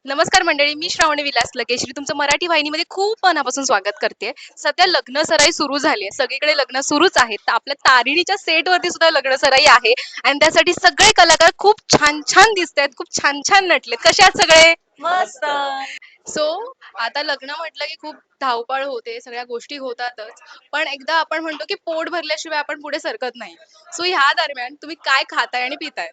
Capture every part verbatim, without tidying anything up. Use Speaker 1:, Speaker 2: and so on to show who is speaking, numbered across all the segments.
Speaker 1: नमस्कार मंडळी, मी श्रावणी विलास लगेश्री तुमचं मराठी वाहिनीमध्ये खूप मनापासून स्वागत करते. सध्या लग्न सराई सुरू झाली आहे, सगळीकडे लग्न सुरूच आहेत. तर आपल्या तारिणीच्या सेटवरती सुद्धा लग्न सराई आहे आणि त्यासाठी सगळे कलाकार खूप छान छान दिसत आहेत, खूप छान छान नटलेत. कसे आहात सगळे?
Speaker 2: मस्त.
Speaker 1: सो आता लग्न म्हटलं की खूप धावपळ होते, सगळ्या गोष्टी होतातच. पण एकदा आपण म्हणतो की पोट भरल्याशिवाय आपण पुढे सरकत नाही. सो ह्या दरम्यान तुम्ही काय खाताय आणि पिताय?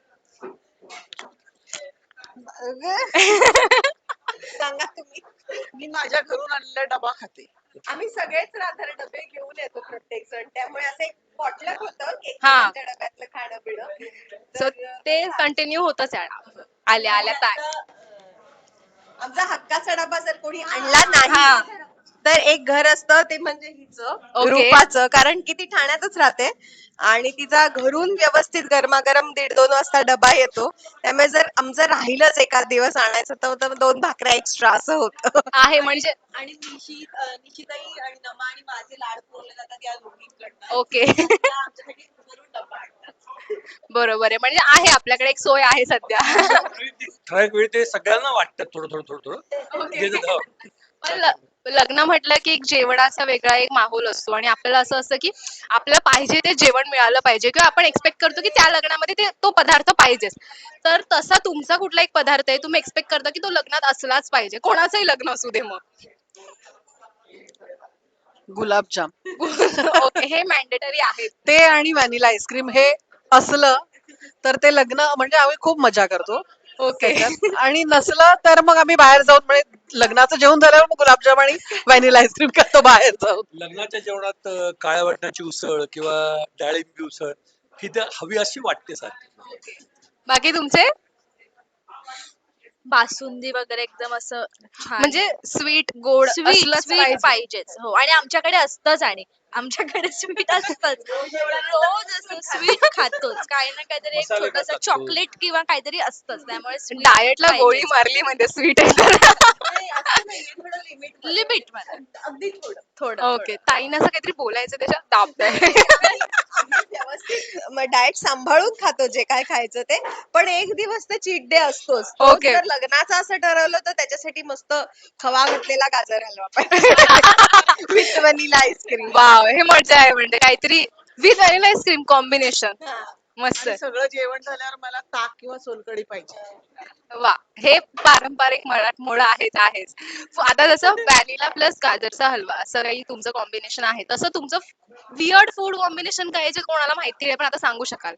Speaker 2: सांगा तुम्ही.
Speaker 3: मी माझ्या घरून आणलेला डबा खाते.
Speaker 2: आम्ही सगळेच राहणार डबे घेऊन येतो प्रत्येक जण, त्यामुळे असं एक पॉटलक होतं
Speaker 1: हा.
Speaker 2: एकमेकांच्या डब्यातलं खाणं पिणं.
Speaker 1: सो
Speaker 2: तर
Speaker 1: ते कंटिन्यू होतच आहे. आल्या आल्या काय
Speaker 2: आमचा हक्काचा डबा जर कोणी आणला नाही
Speaker 1: हा.
Speaker 2: तर एक घर असतं ते म्हणजे हिचं
Speaker 1: ओके.
Speaker 2: रूपाचं, कारण की ती ठाण्यातच राहते आणि तिचा घरून व्यवस्थित गरमागरम दीड दोन वाजता डबा येतो. त्यामुळे जर आमचं राहिलंच एखाद दिवस आणायचं तर तर दोन भाकऱ्या एक्स्ट्रा असं होतं.
Speaker 1: आहे म्हणजे
Speaker 2: आणि निशित अं, निशिताई आणि नमा आणि माझे लाड पुरवले जातात या दोघींकडनं.
Speaker 1: ओके.
Speaker 2: त्या आमच्यासाठी घरून डबा आणतात.
Speaker 1: बरोबर आहे, म्हणजे आहे आपल्याकडे एक सोय आहे सध्या.
Speaker 3: आणि ती ठराविक वेळी ते सगळ्यांना वाटतं थोडं थोडं थोडं थोडं
Speaker 1: ओके.
Speaker 3: घेतात, हो.
Speaker 1: पण ल- लग्न म्हटलं की एक जेवणाचा वेगळा एक माहोल असतो आणि आपल्याला असं असतं की आपल्याला पाहिजे ते जेवण मिळालं पाहिजे किंवा आपण एक्सपेक्ट करतो की त्या लग्नामध्ये ते तो पदार्थ पाहिजेच. तर तसा तुमचा कुठला एक पदार्थ आहे तुम्ही एक्सपेक्ट करता की तो लग्नात असलाच पाहिजे, कोणाचंही लग्न असू दे मग?
Speaker 3: गुलाबजाम
Speaker 1: ओके, हे मॅन्डेटरी आहे.
Speaker 3: ते आणि व्हॅनिला आईस्क्रीम हे असलं तर ते लग्न म्हणजे आम्ही खूप मजा करतो
Speaker 1: ओके.
Speaker 3: त्याच्यात. आणि नसलं तर मग आम्ही बाहेर जाऊन म्हणजे लग्नाचं जेवण झाल्यावर मग गुलाबजाम आणि व्हॅनिला आईस्क्रीम खातो बाहेर जाऊन. लग्नाच्या जेवणात अ, काळ्या वाटणाची उसळ किंवा डाळिंबी उसळ ही तर हवी अशी वाटते सारखी.
Speaker 1: बाकी तुमचे?
Speaker 4: बासुंदी वगैरे एकदम असं छान
Speaker 1: म्हणजे स्वीट गोड
Speaker 4: स्वीट
Speaker 1: असलंच
Speaker 4: स्वीट
Speaker 1: पाहिजे.
Speaker 4: पाहिजेच. हो, आणि आमच्याकडे असतंच, आणि आमच्याकडे स्वीट असतंच. रोज असं स्वीट खातोच, काही ना काहीतरी एक
Speaker 3: मसाले भात
Speaker 4: छोटस
Speaker 3: लागतो.
Speaker 4: चॉकलेट किंवा काहीतरी असतंच, त्यामुळे स्वीट
Speaker 1: डाएटला गोळी मारली म्हणजे स्वीट आहे.
Speaker 2: नाही, असं नाहीये, थोडं लिमिट
Speaker 4: लिमिट मध्ये.
Speaker 2: अगदी थोडं.
Speaker 4: थोडं
Speaker 1: ओके, ताईनं असं काहीतरी बोलायचं त्याच्यात दाबताय.
Speaker 2: आम्ही व्यवस्थित डाएट सांभाळून खातो जे काय खायचं ते, पण एक दिवस ते चीट डे असतोच. तो
Speaker 1: ओके.
Speaker 2: जर लग्नाचं असं ठरवलं तर त्याच्यासाठी मस्त खवा घातलेला गाजर हलवा पाहिजे विथ व्हॅनिला आईस्क्रीम.
Speaker 1: वाव, हे मजा आहे म्हणजे काहीतरी विथ व्हॅनिला आईस्क्रीम कॉम्बिनेशन मस्त
Speaker 3: आणि
Speaker 1: आहे.
Speaker 3: सगळं जेवण झाल्यावर मला ताक किंवा सोलकढी पाहिजे.
Speaker 1: वा, हे पारंपरिक मराठमोळं आहेच आहेच. आता जसं व्हॅनिला प्लस गाजरचा हलवा असं काही तुमचं कॉम्बिनेशन आहे, तसं तुमचं वियर्ड फूड कॉम्बिनेशन काय आहे जे कोणाला माहिती आहे पण आता सांगू शकाल?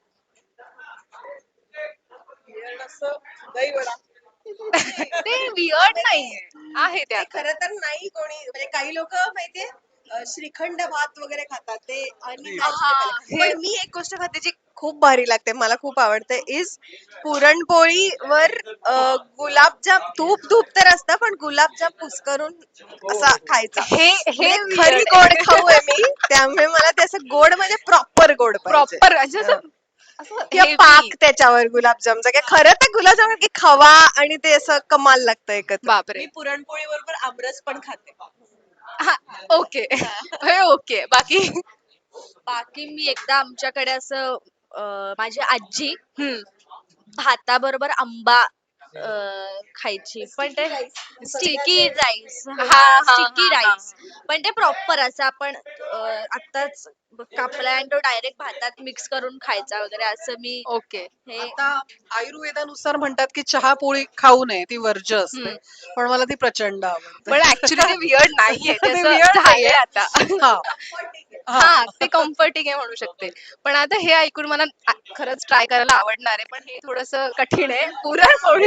Speaker 3: असं दही वडा.
Speaker 1: ते वियर्ड नाहीये, आहे
Speaker 2: ते
Speaker 1: त्यात.
Speaker 2: खरं तर नाही कोणी, म्हणजे काही लोक माहितीये अ, श्रीखंड भात वगैरे खातात ते आणि
Speaker 1: हा, हे
Speaker 2: पण मी एक गोष्ट खाते जी खूप भारी लागते, मला खूप आवडते, इज पुरणपोळीवर अ, गुलाबजाम. तूप तूप तर असतं पण गुलाबजाम कुस्करून असा खायचा.
Speaker 1: हे हे
Speaker 2: म्हणजे खरी
Speaker 1: weird
Speaker 2: गोड
Speaker 1: आहे.
Speaker 2: खाऊ आहे मी, त्यामुळे मला ते असं गोड म्हणजे प्रॉपर गोड पाहिजे.
Speaker 1: प्रॉपर म्हणजे
Speaker 2: हं.
Speaker 1: असं असं
Speaker 2: किंवा
Speaker 1: हेवी.
Speaker 2: पाक त्याच्यावर गुलाबजामचा, काय खरं तर गुलाबजाम की खवा आणि ते असं कमाल लागतं एकत्र.
Speaker 1: बापरे.
Speaker 2: मी पुरणपोळी बरोबर आमरस पण खाते.
Speaker 1: हा, ओके. हे ओके, बाकी?
Speaker 4: बाकी मी एकदा आमच्याकडे असं अं, माझी आजी
Speaker 1: हम्म.
Speaker 4: भाताबरोबर आंबा अं, खायची, पण ते स्टिकी राईस.
Speaker 1: हा
Speaker 4: हा,
Speaker 1: हा
Speaker 4: स्टिकी
Speaker 1: हा हा.
Speaker 4: राईस. पण ते प्रॉपर असं आपण अं, आत्ताच कापला आणि तो डायरेक्ट भातात मिक्स करून खायचा वगैरे, असं मी
Speaker 1: ओके.
Speaker 4: हे
Speaker 3: आता आयुर्वेदानुसार म्हणतात की चहा पोळी खाऊ नये, ती वर्ज्य असते.
Speaker 1: हम्म.
Speaker 3: पण मला ती प्रचंड आवडते.
Speaker 1: पण ऍक्च्युली ते वियर्ड नाहीये, ते
Speaker 3: ते
Speaker 1: असं
Speaker 3: weird
Speaker 1: झालंय
Speaker 3: नाहीये.
Speaker 1: आता.
Speaker 3: हा
Speaker 1: हा,
Speaker 3: हा
Speaker 1: ते कम्फर्टिंग आहे म्हणू शकते. पण आता हे ऐकून मला आ- खरंच ट्राय करायला आवडणार आहे, पण हे थोडस कठीण आहे. पुरणपोळी.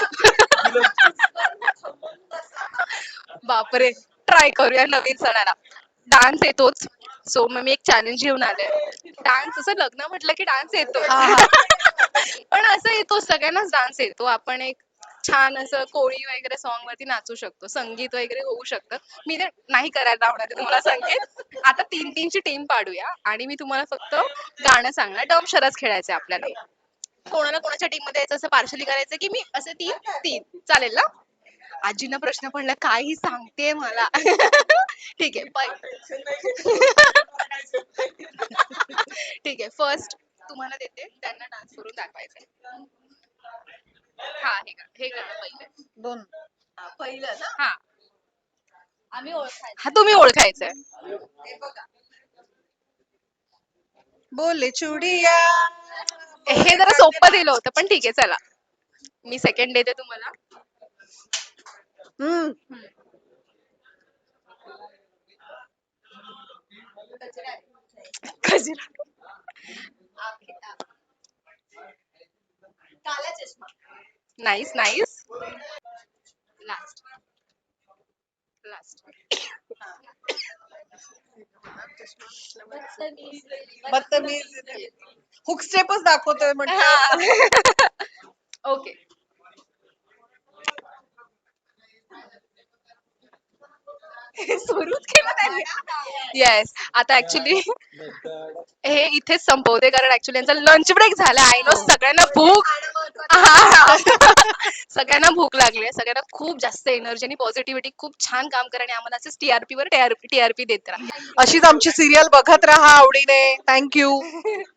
Speaker 1: बापरे, ट्राय करूया नवीन सणाला. डान्स येतोच, सो मग मी एक चॅलेंज घेऊन आले. डान्स, असं लग्न म्हटलं की डान्स येतो.
Speaker 3: हा हा
Speaker 1: पण असं येतो, सगळ्यांनाच डान्स येतो. आपण एक छान असं कोळी वगैरे सॉन्ग वरती नाचू शकतो, संगीत वगैरे होऊ शकतं. मी तर नाही करायला आवडत आहे तुम्हाला संगीत. आता तीन तीनची टीम पाडूया आणि मी तुम्हाला फक्त गाणं सांगणार, डम शरच खेळायचं आपल्याला. कोणाला कोणाच्या टीम मध्ये यायचं असं पार्शली करायचं की मी असे तीन तीन चालेल ना? आजींना प्रश्न पडला, काही सांगते मला. ठीक आहे, ठीक आहे, फर्स्ट तुम्हाला देते, त्यांना डान्स करून दाखवायचंय. हा, हे गा- हे गाणं पहिले.
Speaker 3: दोन
Speaker 2: हा, पहिलं ना
Speaker 1: हा
Speaker 4: आम्ही ओळखायचं.
Speaker 1: हा तुम्ही ओळखायचंय.
Speaker 2: हे बघा. बोले चुडिया
Speaker 1: हे जरा सोपं दिलं होतं पण ठीक आहे चला. मी सेकंड देते तुम्हाला.
Speaker 2: हम्म.
Speaker 1: गजरा.
Speaker 2: Kala Chashma.
Speaker 1: Nice nice. Last last.
Speaker 2: बदतमीज हुक स्टेपच दाखवतोय म्हटलं.
Speaker 1: ओके. सुरूच केलं त्यांनी. येस आता ऍक्च्युली हे इथेच संपवते कारण ऍक्च्युली यांचा लंच ब्रेक झाला. आय नो सगळ्यांना भूक हा. सगळ्यांना भूक लागली आहे. सगळ्यांना खूप जास्त एनर्जी आणि पॉझिटिव्हिटी खूप छान काम करा आणि आम्हाला असंच टीआरपी वर टीआरपी टीआरपी देत राहा.
Speaker 3: अशीच आमची सिरियल बघत राहा आवडीने. थँक्यू.